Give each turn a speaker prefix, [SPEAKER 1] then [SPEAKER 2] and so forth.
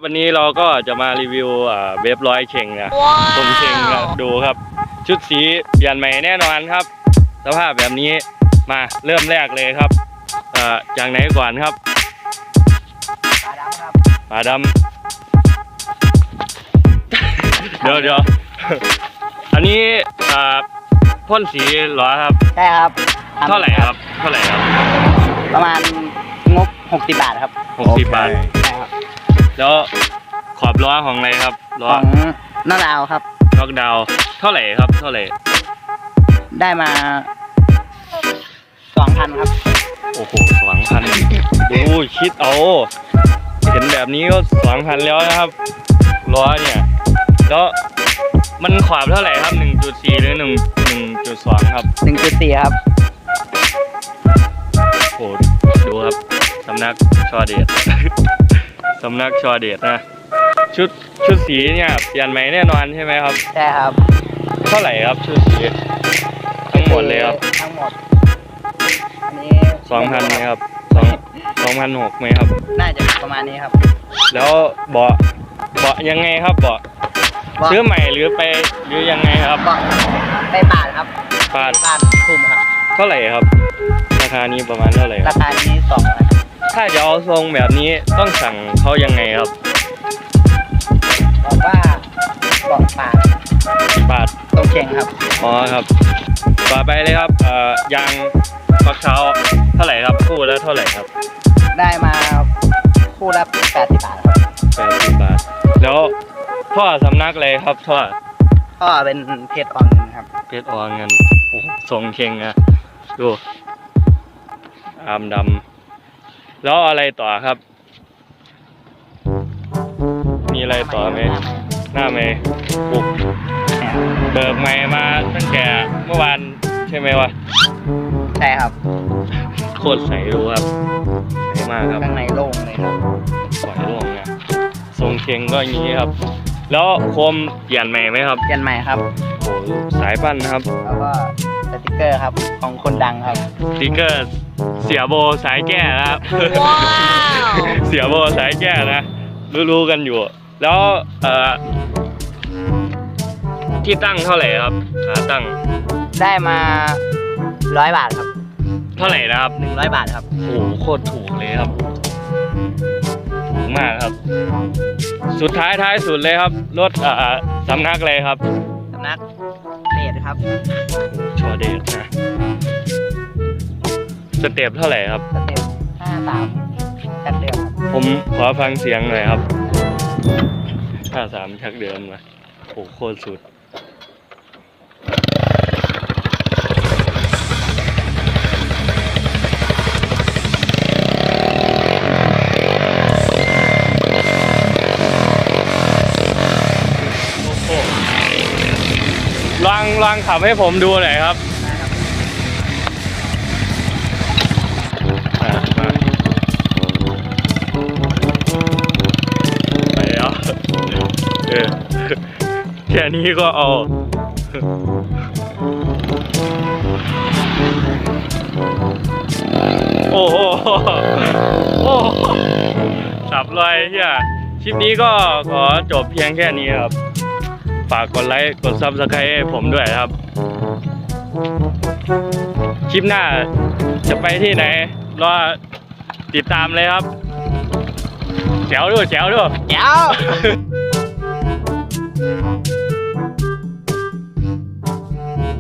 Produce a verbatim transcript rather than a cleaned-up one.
[SPEAKER 1] วันนี้เราก็จะมารีวิวเว็บร้อยเชงนะตรงเชงนะดูครับชุดสีเปลี่ยนใหม่แน่นอนครับสภาพแบบนี้มาเริ่มแรกเลยครับจากไหนก่อนครับ
[SPEAKER 2] ปลาดำครับ
[SPEAKER 1] ปลาดำเดี๋ยวเดี๋ยวอันนี้พ่นสีเหรอครับ
[SPEAKER 2] ใช่ครับ
[SPEAKER 1] เท่าไหร่ครับเท่าไหร่ครับ
[SPEAKER 2] ประมาณงบหกสิบบาทครับ
[SPEAKER 1] หกสิบบาทใช่ครับแล้วขอบล้อของอะไรครับล้อ
[SPEAKER 2] ของน็อกดาวครับ
[SPEAKER 1] น็อกดาวเท่าไหร่ครับเท่าไหร่
[SPEAKER 2] ได้มาสองพันครับ
[SPEAKER 1] โอ้โหสองพันดูคิดเอาเห็นแบบนี้ก็สองพันแล้วนะครับล้อเนี่ยแล้วมันขวบเท่าไหร่ครับ หนึ่งจุดสี่ หรือ หนึ่ง หนึ่งจุดสอง ครับ
[SPEAKER 2] หนึ่งจุดสี่ ครับ
[SPEAKER 1] โอ้ดูครับสำนักชอเดชสำนักชอเดชนะชุดชุดสีเนี่ยเปลี่ยนใหม่แน่นอนใช่ไหมครับ
[SPEAKER 2] ใช่ครับ
[SPEAKER 1] เท่าไหร่ครับชุดสีทั้งหมดเลยครับ
[SPEAKER 2] ทั้งหมดอันนี้
[SPEAKER 1] สองพันไหมครับสองสองพันหกไหมครับ
[SPEAKER 2] น่าจะประมาณนี้ครับ
[SPEAKER 1] แล้วเบาะเบาะยังไงครับเบาะซื้อใหม่หรือไปหรือยังไงครับ
[SPEAKER 2] ไปปาดครับ
[SPEAKER 1] ปาด
[SPEAKER 2] ปาดคุมครับ
[SPEAKER 1] เท่าไหร่ครับราคานี้ประมาณเท่าไหร่
[SPEAKER 2] ราคานี้สองพัน
[SPEAKER 1] ถ้าจะเอาทรงแบบนี้ต้องสั่งเขายังไงครับ
[SPEAKER 2] บอกว่าบอกปาด
[SPEAKER 1] ปาด
[SPEAKER 2] ตรงเชงครับ
[SPEAKER 1] อ๋อครับต่อไปเลยครับเอ่อยางฟักเท้าเท่าไหร่ครับคู่แล้วเท่าไหร่ครับ
[SPEAKER 2] ได้มาคู่ละแปดสิบบาทครับ
[SPEAKER 1] แปดสิบบาทแล้วท่อสำนักเลยครับท่อ
[SPEAKER 2] ท่อเป็นเพชรออนเงินครับ
[SPEAKER 1] เพชรออนเงินโอ้ทรงเข่งนะดูอามดำแล้วอะไรต่อครับมีอะไรต่อไหมหน้าไหมปุกเบิกใหม่มาตั้งแต่เมื่อวานใช่ไหมวะ
[SPEAKER 2] ใช่ครับ
[SPEAKER 1] โคตรใสดูครับใสมากครับ
[SPEAKER 2] ข้างในโล่งเลยครับ
[SPEAKER 1] ปล่อยโล่งนะทรงเข่งก็อย่างนี้ครับแล้วโคมเปลี่ยนใหม่ไหมครับ
[SPEAKER 2] เปลี่ยนใหม่ครับ
[SPEAKER 1] โอ้สายปั้นนะครับ
[SPEAKER 2] แล้วก็สติ๊กเกอร์ครับของคนดังครับ
[SPEAKER 1] สติ๊กเกอร์เสียโบสายแก้นะครับว้าวเสียโบสายแก้นะรู้ๆกันอยู่แล้วเอ่อที่ตั้งเท่าไหร่ครับขาตั้ง
[SPEAKER 2] ได้มาร้อยบาทครับ
[SPEAKER 1] เท่าไหร่นะครับ
[SPEAKER 2] หนึ่งร้อยบาทครับ
[SPEAKER 1] โอ้โคตรถูกเลยครับถูกมากครับสุดท้ายท้ายสุดเลยครับรถเอ่อสำนักเลยครับ
[SPEAKER 2] สำนักเดชครับ
[SPEAKER 1] ชอเดชนะสเต็ปเท่าไหร่ครับ
[SPEAKER 2] สเต็ปห้าสามชักเดิมครับ
[SPEAKER 1] ผมขอฟังเสียงหน่อยครับห้าสามชักเดิมนะโอ้โคตรสุดลองลองขับให้ผมดูหน่อยครับไปแล้วเออแค่นี้ก็เอาโอ้โหโอ้สับเลยเฮียคลิปนี้ก็ขอจบเพียงแค่นี้ครับฝากกดไลค์กดซับสไครต์ให้ผมด้วยครับคลิปหน้าจะไปที่ไหนรอติดตามเลยครับแจ๋วด้วยแจ๋วด้วย
[SPEAKER 2] แจ๋ว